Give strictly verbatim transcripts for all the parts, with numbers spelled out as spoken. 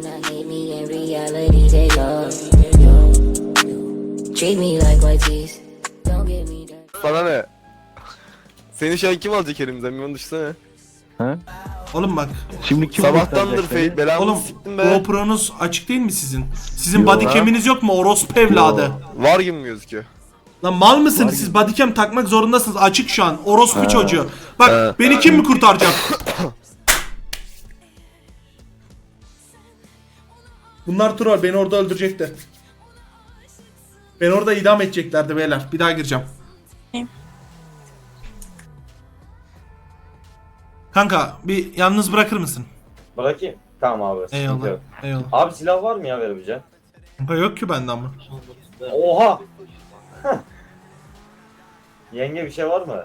Sana ne? Seni şu an kim alacak elimizden? Bir onu düşünsene. Ha? Oğlum bak. Şimdi kim Sabahtandır kurtaracak fake beni? belamı Oğlum siktim be. GoPro'nuz açık değil mi sizin? Sizin Yo. bodycam'iniz yok mu orospu evladı? Var gibi gözüküyor. Lan mal mısınız siz? Bodycam takmak zorundasınız. Açık şu an. Orospu çocuğu. Bak He. beni kim mi kurtaracak? Bunlar troll. Beni orada öldürecekti. Beni orada idam edeceklerdi beyler. Bir daha gireceğim. Kanka bir yalnız bırakır mısın? Bırakayım. Tamam abi. sıkıntı Eyvallah. yok. Eyvallah. Abi silah var mı ya verebileceğin? Kanka yok ki bende ama. Oha! Yenge bir şey var mı?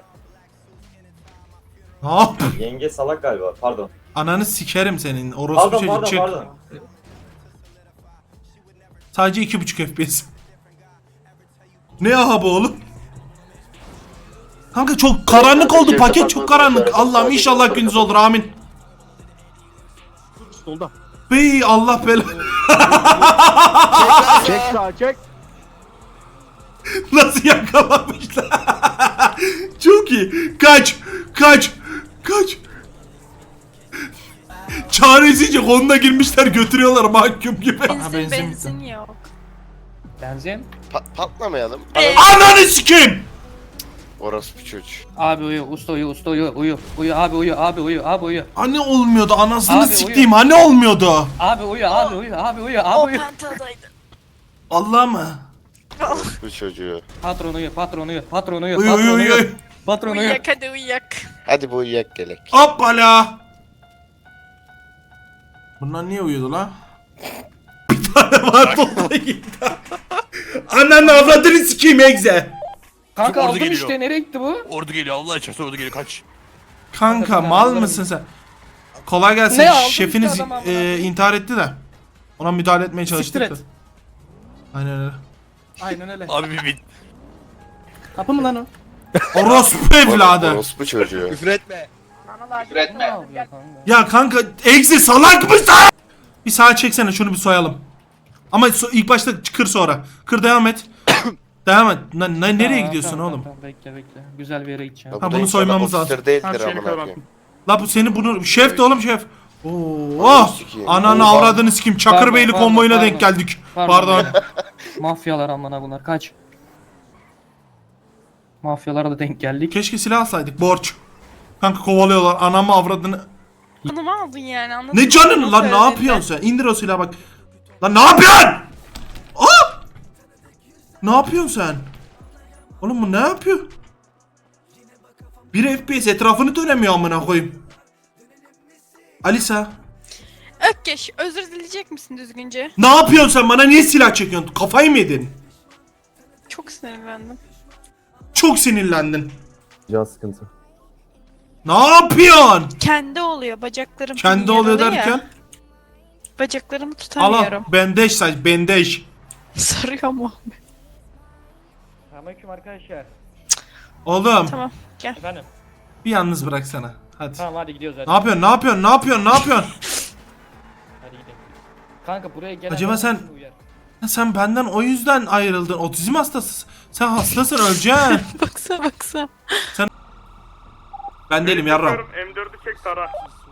Ne yap? Yenge salak galiba. Pardon. Ananı sikerim senin. Orospu Pardon çocuk pardon çık. pardon. Sadece iki buçuk F P S. Ne aha bu oğlum? Kanka çok karanlık oldu. Paket çok karanlık. Allah'ım inşallah gündüz olur. Amin. Solda. Bey Allah bela. Çek sağa çek. Nasıl yakalamışlar? Çok iyi. Kaç. Kaç. Kaç. Çaresizce konuna girmişler götürüyorlar mahkum gibi. Ha, Benzin, benzin benzin, bitti. yok. Benzin. Pa- patlamayalım. Ananı sikeyim. Orospu çocuğu. Abi uyu, usta uyu, usta uyu, uyu. Uyu abi uyu, abi uyu, abi uyu. Anne olmuyordu anasını Abi, siktiğim. Anne olmuyordu. Abi uyu, abi uyu, abi uyu, abi O uyu. pentadaydı. Allah mı? Orospu çocuğu. Patron uyu, patron uyu, patron uyu, Uyu patron uyu uyu. uyu. Patron uyu. Uyuyak hadi uyuyak. Hadi bu uyuyak gelek. Hoppala. Bunlar niye uyudu lan? Bir tane var dolda gitti. Ananı avradını sikeyim egze. Kanka Ordu aldım geliyor. işte, nereye gitti bu? Ordu geliyor Allah aşkına ordu geliyor kaç. Kanka Kanka, mal ben- mısın sen? Kolay gelsin. Ne aldın Şefiniz işte adam amına e, koyayım. intihar etti de. Ona müdahale etmeye çalıştık Siktir da. et. Aynen öyle. Aynen öyle. Abi bir bit. Kapı mı lan o? Orospu evladı. Orospu çocuğu. Küfür etme. Ne yapıyor kanka? Ya kanka egzi salak mısın? Bir sağa çeksene şunu bir soyalım. Ama so- ilk başta kır sonra. Kır devam et. Devam et. Na- na- nereye Tamam, gidiyorsun tamam, oğlum? Tamam, bekle bekle. Güzel bir yere gideceğim. Ha, bunu soymamız lazım. Ofisler değildir amına koyayım. La bu seni bunu şef de oğlum şef. Oo, Ananı oh, sikeyim. ananı Oha. avradını sikim. Çakırbeyli Pardon, konvoyuna pardon, denk geldik. Pardon. Pardon. Mafyalar amına bunlar, kaç. Mafyalara da denk geldik. Keşke silah alsaydık. Borç. Kanka kovalıyorlar. Anamı avradını. Canımı aldın yani anladın Ne mı? canın Nasıl lan ne öldüğünü? yapıyorsun sen? İndir o silahı bak. Lan ne yapıyorsun? Aa! Ne yapıyorsun sen? Oğlum bu ne yapıyor? Bir F P S etrafını dönemiyor amına koyayım. Alisa. Ökkeş özür dileyecek misin düzgünce? Ne yapıyorsun sen? Bana niye silah çekiyorsun? Kafayı mı yedin? Çok sinirlendim. Çok sinirlendin. Can sıkıntı. Ne yapıyorsun? Kendi oluyor bacaklarım. Kendi yaralı oluyor ya. derken? Bacaklarımı Al tutamıyorum. al. Bandaj saç. Bandaj. Sarıyor mu? Selamünaleyküm arkadaşlar. Oğlum Tamam gel. Efendim. bir yalnız bıraksana. Hadi. Tamam hadi gidiyoruz hadi. Ne yapıyorsun? Ne yapıyorsun? Ne yapıyorsun? Ne yapıyorsun? Hadi gidelim. Kanka buraya gelen Acaba herkes sen- uyar. Ha, sen benden o yüzden ayrıldın. Otizm hastası. Sen hastasın öleceksin. Baksa baksa. Ben değilim yarram. M dördü çek tara.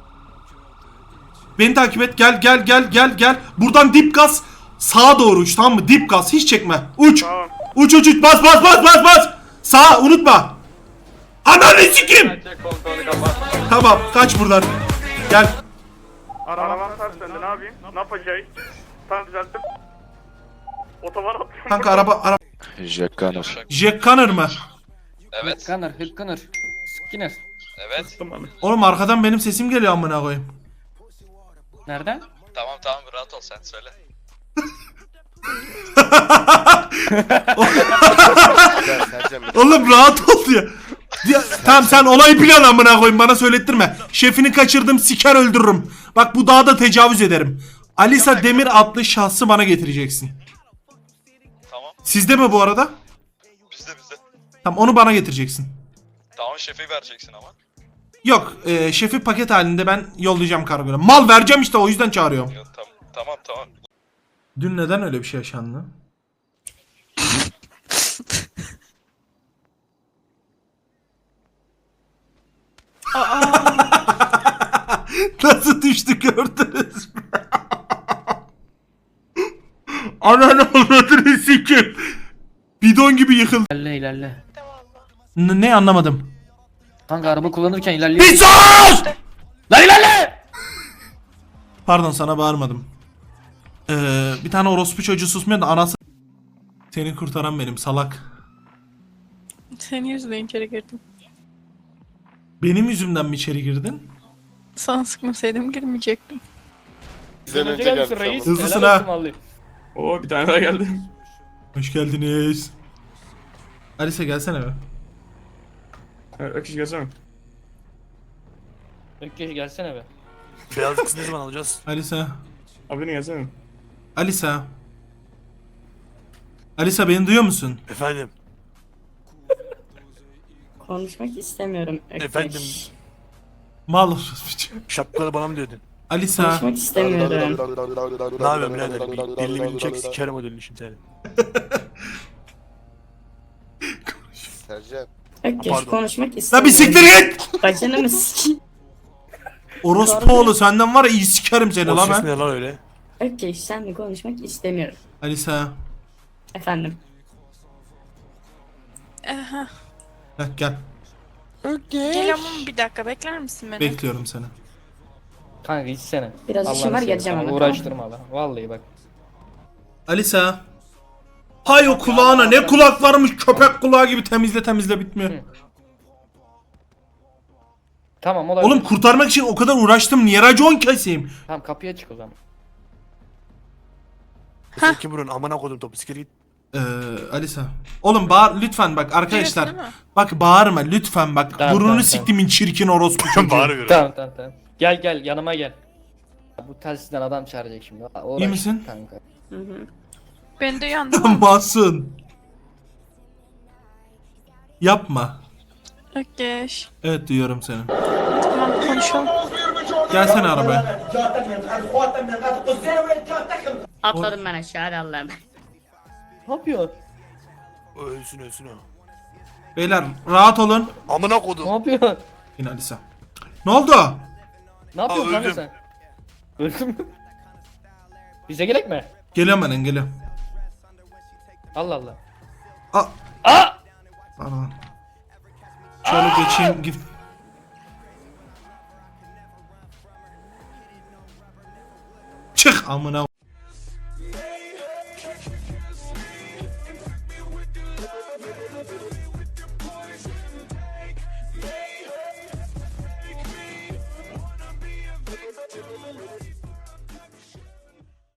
Beni takip et. Gel gel gel gel gel. Buradan dip gaz sağa doğru uç, tamam mı? Dip gaz hiç çekme. Uç. Tamam. Uç uç uç. Bas bas bas bas bas. Sağa unutma. Ananı sikim. Tamam kaç buradan. Gel. Arabam ters döndü ne yapayım? Ne yapacağız? Tamam düzelttim. Otoban atıyorum. Kanka araba araba. Jack Gunner. Jack Connor mı? Evet, Hıkkınır, hıkkınır. Skinner. evet. Oğlum arkadan benim sesim geliyor amına koyayım. Nereden? Tamam tamam rahat ol sen söyle. Oğlum rahat ol ya. Ya, tamam sen olayı plan amına koyayım, bana söylettirme. Şefini kaçırdım, siker öldürürüm. Bak bu dağda tecavüz ederim. Alisa Demir adlı şahsı bana getireceksin. Tamam Sizde mi bu arada? bizde bizde. Tamam onu bana getireceksin. Tamam şefi vereceksin ama. Yok e, şefi paket halinde ben yollayacağım kargoyla. Mal vereceğim işte, o yüzden çağırıyorum. Yok, tamam tamam Dün neden öyle bir şey yaşandı? Nasıl düştü gördünüz mü? Ananı avradını sikim. Bidon gibi yıkıldı. İlerle ilerle. N- ne anlamadım. Kanka araba kullanırken ilerliyor. Bir sus! Lan ilerle! Pardon sana bağırmadım. Ee, bir tane orospu çocuğu susmuyor da anası... Seni kurtaran benim salak. Senin yüzünden içeri girdim. Benim yüzümden mi içeri girdin? Sana sıkmasaydım girmeyecektim. Bizden önce gelmiş. Hızlısın ha. Oo bir tane daha geldi. Hoş geldiniz. Alisa gelsene be. Evet, Akış gelsene. Ökkeş gelsene be. Beyaz kız ne zaman alacağız? Alisa. Abini gelsene. Alisa. Alisa beni duyuyor musun? Efendim. Konuşmak istemiyorum. Ökkeş. Efendim. Mal orospu. Şapkaları bana mı diyordun? Alisa. Konuşmak istemiyorum. Ne yapıyorsun birader? Bir Dilini bilini çek sikerim o dilini şimdi seni. Sercan. Ökkeş Pardon. konuşmak La bir istemiyorum. siktir git! Bacını mı sikeyim? Orospu oğlu senden var ya iyi sikerim seni O la ses ben. ne lan öyle? Ökkeş senle konuşmak istemiyorum. Alisa. Efendim. Aha. Heh, gel. Gel ama bir dakika bekler misin beni? Bekliyorum seni. Kanka içsene. Biraz işim var, geleceğim ama. ama, Uğraştırma lan. Vallahi bak. Alisa. Hay o kulağına ne kulak varmış köpek kulağı gibi temizle temizle bitmiyor. Hı. Tamam olabilir. Oğlum kurtarmak için o kadar uğraştım niye racon keseyim? Tamam kapıya çık o zaman. Sen kim burun amına koydum topu sikir git. Ee, Alisa. Oğlum bağır lütfen bak arkadaşlar. Biliyorsun değil mi? Bak bağırma lütfen bak. Tamam, Burnunu tamam, siktimin çirkin orospu çocuğu. Bağırıyorum. Tamam tamam tamam. Gel gel yanıma gel. Bu telsizden adam çağıracak şimdi. Uğraş İyi misin? Kanka. Hı hı. Ben de yandım ama. Masum. Yapma. Ökkeş. Evet duyuyorum seni. Tamam konuşalım. Gelsene arabaya. Atladım ben aşağı hadi Allah'ım. Ne yapıyor? Ölsün ölsün o. Beyler rahat olun. Amına Ne koydum. yapıyor? Yine Alisa. Ne oldu? Ne yapıyorsun Aa, kanka öldüm. sen? Öldün mü? Bize gerek mi? Geliyorum ben geliyorum. Allah Allah. Aa. Aa! Pardon. Şöyle geçeyim. Gif. Çık amına.